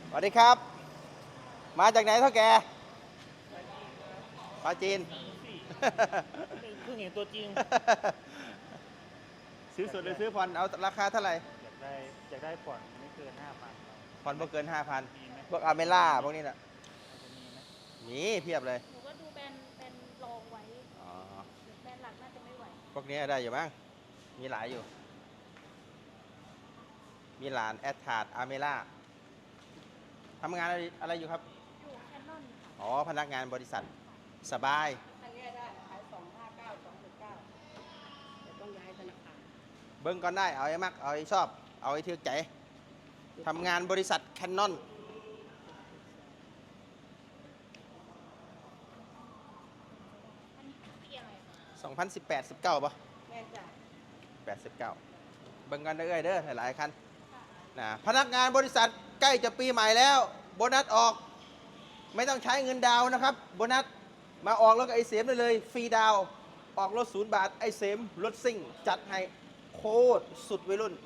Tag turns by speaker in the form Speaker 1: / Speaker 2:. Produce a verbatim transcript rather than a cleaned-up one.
Speaker 1: สวัสดีครับ มาจากไหนเท่าแกปลาจีน
Speaker 2: เพิ่งเห็นตัวจริง
Speaker 1: ซื้อสดหรือซื้อผ่อนเอาราคาเท่าไหร่
Speaker 2: อยากได้อยากได้ผ่อนไม่เกินห้าพัน
Speaker 1: ผ่อนบ่เกินห้าพัน
Speaker 2: มีไหม
Speaker 1: พวกอาเมล่าพวกนี้น่ะ
Speaker 2: จะมีไหม
Speaker 1: มีเพียบเลย
Speaker 3: หนูก็ดูแบรนด์แบรนด์รองไว้
Speaker 1: อ๋อ
Speaker 3: แบรนด์หลักน่าจะไม่ไหว
Speaker 1: พวกนี้ได้อยู่มั้งมีหลายอยู่ มีหลานแอดทาร์ดอาเมล่าทำงานอะไรอะไรอยู่ครับ
Speaker 3: อยู่แคนนอนค่ะ
Speaker 1: อ๋อ พนักงานบริษัทสบาย
Speaker 4: อันนี้ได้ขายสองห้าเก้าสองหกเก้าแต่ต้องย้ายธนาคาร
Speaker 1: เบิ้งก่อนได้ เอาไอ้มัก เอาไอ้ชอบ เอาไอ้เทือกใจทำงานบริษัทแคนนอน
Speaker 3: อันนี้ปีอะไรคะ
Speaker 1: สองพันสิบแปด สิบเก้าป่ะ
Speaker 4: แม่จ่าย
Speaker 1: แปดสิบเก้าเบิ่งกันเด้อเด้อหลายๆคันนะพนักงานบริษัทใกล้จะปีใหม่แล้ว โบนัสออก ไม่ต้องใช้เงินดาวน์นะครับ โบนัสมาออกแล้วก็ไอเสมได้เลย ฟรีดาวน์ออกรถศูนย์บาท ไอเสมรถซิ่ง จัดให้โคตรสุดวัยรุ่น